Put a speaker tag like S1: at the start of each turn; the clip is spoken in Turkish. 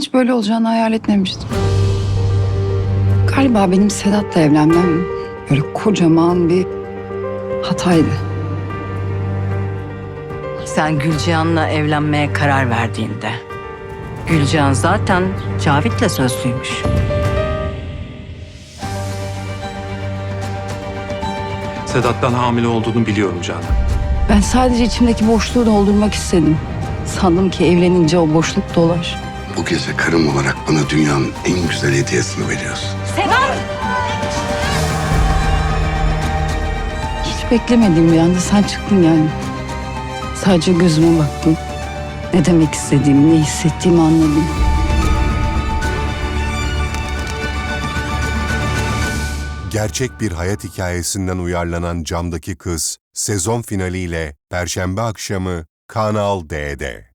S1: hiç böyle olacağını hayal etmemiştim. Galiba benim Sedat'la evlenmem böyle kocaman bir hataydı.
S2: Sen Gülcihan'la evlenmeye karar verdiğinde Gülcihan zaten Cavit'le sözlüymüş.
S3: Sedat'tan hamile olduğunu biliyorum Canan.
S1: Ben sadece içimdeki boşluğu doldurmak istedim. Sandım ki evlenince o boşluk dolar.
S4: Bu gece karım olarak bana dünyanın en güzel hediyesini veriyorsun.
S1: Hiç beklemediğim bir anda sen çıktın yani. Sadece gözüme baktın. Ne demek istediğimi, ne hissettiğimi anladım.
S5: Gerçek bir hayat hikayesinden uyarlanan Camdaki Kız, sezon finaliyle Perşembe akşamı Kanal D'de.